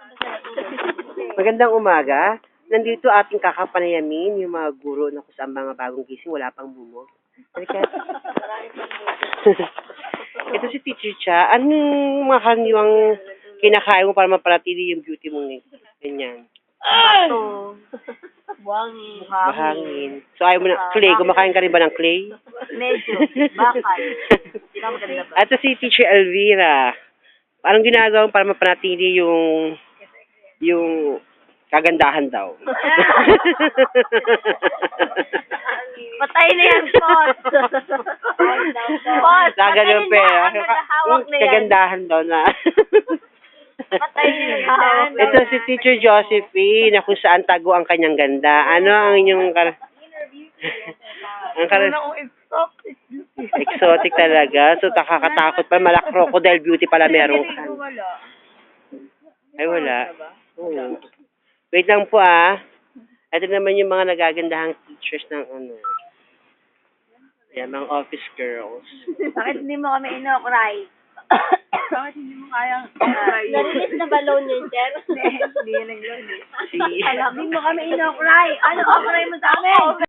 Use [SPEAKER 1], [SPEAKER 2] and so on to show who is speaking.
[SPEAKER 1] Magandang umaga. Nandito ating kakapanayamin yung mga guro na kung saan mga bagong gising, wala pang bumog. Halika. Ito si Teacher Cha. Anong mga kaniwang kinakain mo para mapanatili yung beauty mo ngayon? Ganyan.
[SPEAKER 2] Bato. Buhangin.
[SPEAKER 1] Bahangin. So ayaw mo na, clay. Kumakain ka rin ba ng clay?
[SPEAKER 2] Medyo. Bakal. Hindi na maganda ba?
[SPEAKER 1] At si Teacher Elvira. Anong ginagawa mo para mapanatili yung kagandahan daw?
[SPEAKER 2] Patay na yan, Pot. Pot, patay
[SPEAKER 1] Gaganon pa
[SPEAKER 2] na. Ang hawak na yan.
[SPEAKER 1] kagandahan daw na.
[SPEAKER 2] Patay na yan.
[SPEAKER 1] Ito si Teacher Josephine na kung saan tago ang kanyang ganda. Ano ang inyong exotic talaga. So, nakakatakot pa. Malak crocodile beauty pala meron ka. Ay, wala. Oo. Wait lang po ah. Ito naman yung mga nagagandahang teachers ng ano. Yan, mga office girls.
[SPEAKER 2] Bakit hindi mo kami inokray? Bakit hindi mo kayang inokray? Narinig na ba loan yun, Jer? Hindi yan ang loan.
[SPEAKER 1] Si...
[SPEAKER 2] Hindi mo kami inokray. Ano okray mo sa amin?